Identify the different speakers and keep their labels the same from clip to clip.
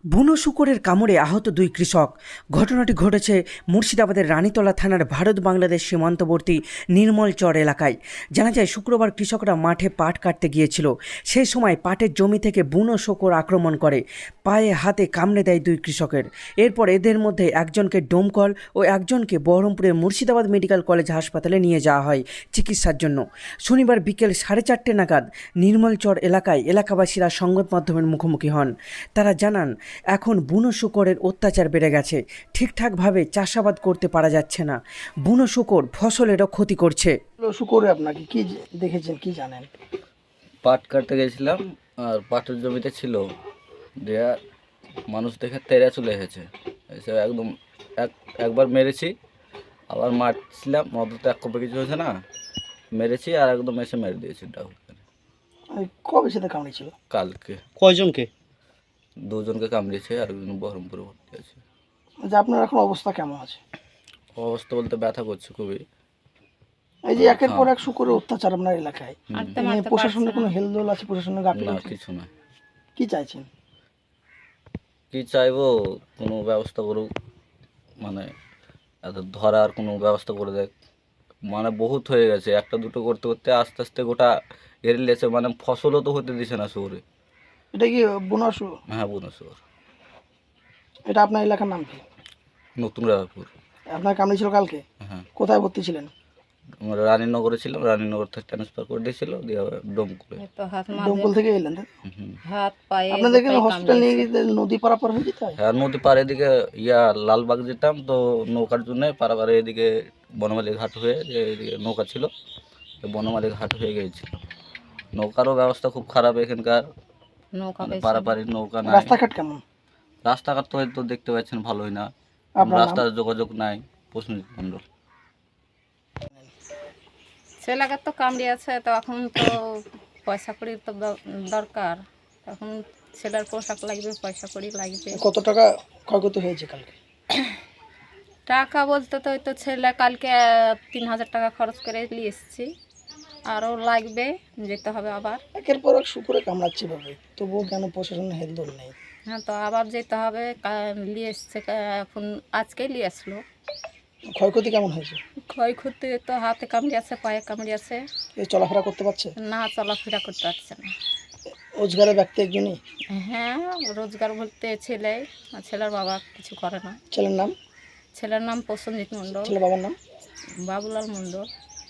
Speaker 1: বুনো শূকরের কামড়ে আহত দুই কৃষক। ঘটনাটি ঘটেছে মুর্শিদাবাদের রানীতলা থানার ভারত বাংলাদেশ সীমান্তবর্তী নির্মলচর এলাকায়। জানা যায় শুক্রবার কৃষকরা মাঠে পাট কাটতে গিয়েছিল। সেই সময় পাটের জমি থেকে বুনো শূকর আক্রমণ করে, পায়ে হাতে কামড়ে দেয় দুই কৃষকের। এরপর এদের মধ্যে একজনকে ডোমকল ও একজনকে বহরমপুরের মুর্শিদাবাদ মেডিকেল কলেজ হাসপাতালে নিয়ে যাওয়া হয় চিকিৎসার জন্য। শনিবার বিকেল 4:30 নাগাদ নির্মলচর এলাকায় এলাকাবাসীরা সংবাদ মাধ্যমের মুখোমুখি হন। তারা জানান, এখন বুনো শূকরের অত্যাচার বেড়ে গেছে, ঠিকঠাকভাবে চাষাবাদ করতে পারা যাচ্ছে না। বুনো শূকর ফসলেরও ক্ষতি করছে।
Speaker 2: শুকরে আপনাকে কি দেখেছেন, কি জানেন?
Speaker 3: পাট কাটতে গেছিলাম আর পাটের জমিতে ছিল, দেয়া মানুষ দেখে তেড়ে চলে এসেছে, এসে একদম একবার মেরেছি, আবার মারছিলাম, মধ্যে তো এক কপে কিছু হয়েছে না, মেরেছি আর একদম এসে মেরে দিয়েছি ডাউন।
Speaker 2: কবে সাথে কামড়েছিল?
Speaker 3: কালকে
Speaker 4: কয়জনকে?
Speaker 3: দুজনকে কামড়িয়েছে আর একজন বহরমপুরে ভর্তি আছে।
Speaker 2: যে আপনার এখন অবস্থা কেমন আছে?
Speaker 3: অবস্থা বলতে ব্যথা করছে খুবই।
Speaker 2: এই যে একের পর এক শুকরের অত্যাচার আপনার এলাকায়, প্রশাসনের কোনো হেলদোল আছে? প্রশাসনের
Speaker 3: না,
Speaker 2: গাফিলতি?
Speaker 3: কিছু না।
Speaker 2: কি চাইছেন?
Speaker 3: কি চাইবো, কোনো ব্যবস্থা করুক, মানে এত ধরার কোনো ব্যবস্থা করে দেয়। মানে বহুত হয়ে গেছে, একটা দুটো করতে করতে আস্তে আস্তে গোটা ঘেরে লেছে, মানে ফসলও তো হতে দিছে না শহরে।
Speaker 2: এটা কি বুনো শুয়োর?
Speaker 3: হ্যাঁ, বুনো শহর।
Speaker 2: এটা আপনার এলাকার নাম কি?
Speaker 3: নতুন রায়পুর।
Speaker 2: আপনার কামড়েছিল কালকে?
Speaker 3: হ্যাঁ,
Speaker 2: কোথায় ভর্তি ছিলেন?
Speaker 3: আমরা রানীনগরে ছিলাম, রানীনগর থেকে ট্রান্সফার করে দিয়েছিল, দিয়ে ডোমকুলে।
Speaker 2: দমকল থেকে এলেন?
Speaker 3: হুম।
Speaker 2: আপনাদেরকে হসপিটাল নিয়ে গিয়ে নদী পারাপার হয়ে যেতে হয়?
Speaker 3: হ্যাঁ, নদী পার এদিকে লালবাগ যেতাম তো নৌকার জন্য, পারাপারে এদিকে বনমালী ঘাট হয়ে যে এদিকে নৌকা ছিল, বনমালী ঘাট হয়ে গিয়েছিল। নৌকারও ব্যবস্থা খুব খারাপ এখানকার, মানে পারাপারি নৌকা নাই।
Speaker 2: রাস্তাঘাট কেমন?
Speaker 3: রাস্তাঘাট তো হয়তো দেখতে পাচ্ছেন ভালোই না,
Speaker 2: আপনার নাম?
Speaker 3: রাস্তার যোগাযোগ নাই। প্রশ্নজিৎ মণ্ডল।
Speaker 5: ছেলেকে তো কামড়িয়েছে, তো এখন তো পয়সা কড়ি তো দরকার, এখন ছেলের পোশাক লাগবে, পয়সা কড়ি লাগবে।
Speaker 2: কত টাকা ক্ষয়ক্ষতি হয়েছে কালকে?
Speaker 5: টাকা বলতে তো ওই তো ছেলে কালকে 3,000 টাকা খরচ করে নিয়ে এসেছি, আরও লাগবে, যেতে হবে আবার।
Speaker 2: একের পর এক শুকরে কামড়াচ্ছে ভাবে, তবুও কেন প্রশাসনের হেলদোল নেই?
Speaker 5: হ্যাঁ, তো আবার যেতে হবে, নিয়ে এসছে, এখন আজকেই নিয়ে আসলো।
Speaker 2: ক্ষয়ক্ষতি কেমন হয়েছে?
Speaker 5: ক্ষয়ক্ষতি তো হাতে কামড়িয়েছে, পায়ে কামড়িয়েছে,
Speaker 2: এ চলাফেরা করতে পারছে
Speaker 5: না চলাফেরা করতে পারছে না।
Speaker 2: রোজগারের ব্যক্তি একজনই?
Speaker 5: হ্যাঁ, রোজগার বলতে ছেলে, আর ছেলের বাবা কিছু করে না।
Speaker 2: ছেলের নাম?
Speaker 5: ছেলের নাম প্রসেনজিৎ মণ্ডল,
Speaker 2: ছেলের বাবার নাম?
Speaker 5: বাবুলাল মণ্ডল।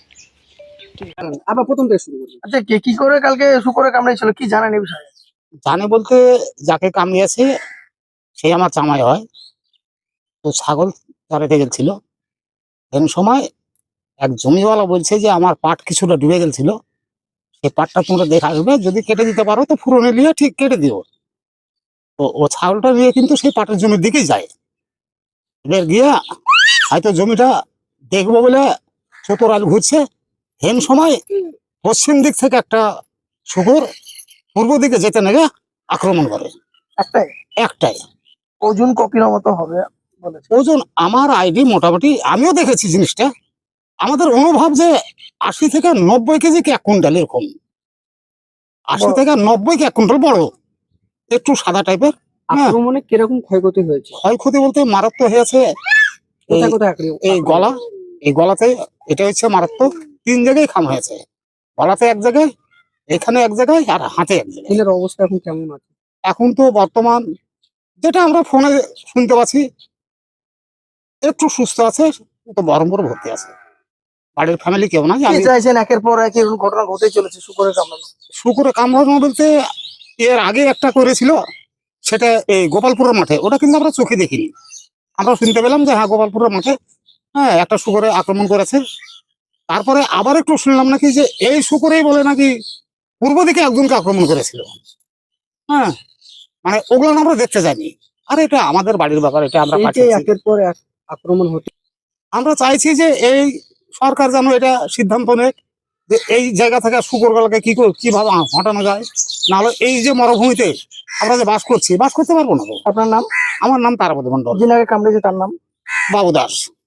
Speaker 4: আবার প্রথম থেকে শুরু করি।
Speaker 2: আচ্ছা, কে কি করে কালকে শুকরে কামড়েছিল, কি জানেন এই বিষয়ে?
Speaker 4: জানে বলতে, যাকে কামড়িয়েছে সে আমার জামাই হয়। তো ছাগল চড়াতে গেছিল, এমন সময় এক জমিওয়ালা বলছে যে আমার পাট কিছুটা ডুবে গেছিল, সেই পাটটা তোমরা দেখা আসবে, যদি কেটে দিতে পারো তো ফুরনে নিয়ে ঠিক কেটে দিও। তো ও ছাগলটা নিয়ে কিন্তু সেই পাটের জমির দিকেই যায়। এবার গিয়া হয়তো জমিটা দেখবো বলে চতুরাল ঘুরছে, হেন সময় পশ্চিম দিক থেকে একটা শুকুর পূর্ব দিকে যেতে নেগে আক্রমণ করে।
Speaker 2: একটাই?
Speaker 4: একটাই।
Speaker 2: ওজন কপির মতো হবে বলেছে।
Speaker 4: ওজন আমার আইডি মোটামুটি, আমিও দেখেছি জিনিসটা, আমাদের অনুভব যে 80 থেকে 90 কেজি কি 1 কুইন্টাল, এরকম 80 থেকে 90 কি 1 কুইন্টাল, বড় একটু সাদা টাইপের।
Speaker 2: আক্রমণে কিরকম ক্ষয়ক্ষতি হয়েছে?
Speaker 4: ক্ষয়ক্ষতি বলতে মারাত্মক হয়েছে
Speaker 2: কোথায় কোথায় আক্রমণ?
Speaker 4: এই গলা, এই গলাতে, এটা হচ্ছে মারাত্মক। 3 জায়গায় খাম হয়েছে, গলাতে এক জায়গায়, এখানে এক জায়গায়, আর হাতে এক জায়গায়।
Speaker 2: ছেলের অবস্থা এখন কেমন আছে?
Speaker 4: এখন তো বর্তমান যেটা আমরা ফোনে শুনতে পাচ্ছি একটু সুস্থ আছে, তো বহরমপুরে ভর্তি আছে। বাড়ির ফ্যামিলি কেউ না।
Speaker 2: কি চাইছেন? একের পর এক এরকম ঘটনা ঘটে চলেছে শুকরে কামড়ানো।
Speaker 4: শুকুরে কামড়ানো বলতে, এর আগে একটা করেছিল, সেটা এই গোপালপুরের মাঠে, ওটা কিন্তু আমরা চোখে দেখিনি। আমরা শুনতে পেলাম যে হ্যাঁ গোপালপুরের মাঠে হ্যাঁ একটা শুকুরে আক্রমণ করেছে। তারপরে আবার একটু শুনলাম নাকি যে এই শুকুরেই বলে নাকি পূর্ব দিকে একজনকে আক্রমণ করেছিল। হ্যাঁ, মানে ওগুলো আমরা দেখতে যাইনি। আর এটা আমাদের বাড়ির ব্যাপার, এটা আমরা পাঠিয়েছি।
Speaker 2: একের পর এক আক্রমণ হতে,
Speaker 4: আমরা চাইছি যে এই সরকার যেন এটা সিদ্ধান্ত নেয় যে এই জায়গা থেকে শুকুরগুলোকে কিভাবে হটানো যায়। নাহলে এই যে মরুভূমিতে আমরা যে বাস করছি, বাস করতে পারবো না।
Speaker 2: আপনার নাম?
Speaker 4: আমার নাম তারাপতি মণ্ডল।
Speaker 2: যিনি আগে কামড়েছে তার নাম?
Speaker 4: বাবু দাস।